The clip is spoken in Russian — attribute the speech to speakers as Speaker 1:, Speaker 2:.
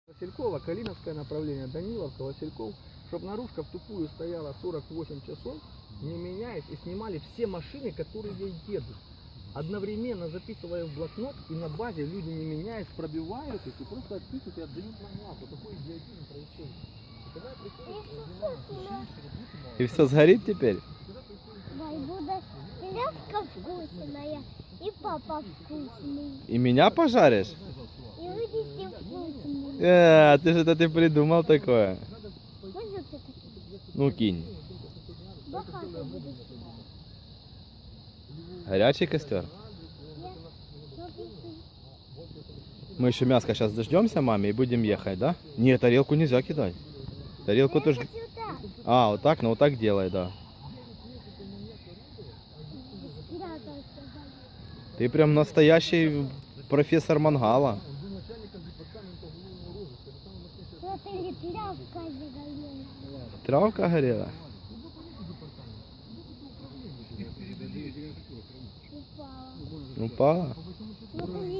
Speaker 1: Василькова, Калиновское направление, Даниловка, Васильков, чтобы наружка в тупую стояла 48 часов, не меняясь, и снимали все машины, которые едут. Одновременно записывая в блокнот, и на базе люди, не меняясь, пробивают их и просто отписывают и отдают на Вот такой идиотизм происходит. И когда приходит,
Speaker 2: И все сгорит теперь?
Speaker 3: Да, и будет пелевка вкусная, и папа вкусный,
Speaker 2: И меня пожаришь?
Speaker 3: и родители вкусные.
Speaker 2: Ты же это ты придумал такое.
Speaker 3: Может, ты такие?
Speaker 2: Ну кинь.
Speaker 3: Бахато будет.
Speaker 2: Горячий костер.
Speaker 3: Я смотрю,
Speaker 2: Мы еще мяско сейчас дождемся, маме, и будем ехать, да? Нет, тарелку нельзя кидать. Тарелку
Speaker 3: я
Speaker 2: тоже...
Speaker 3: хочу так.
Speaker 2: А, вот так, ну вот так делай, да.
Speaker 3: Спрятался.
Speaker 2: Ты прям настоящий профессор мангала.
Speaker 3: Смотри, тряпка загорелась.
Speaker 2: Травка горела?
Speaker 3: Упала.
Speaker 2: Упала?
Speaker 3: Смотри.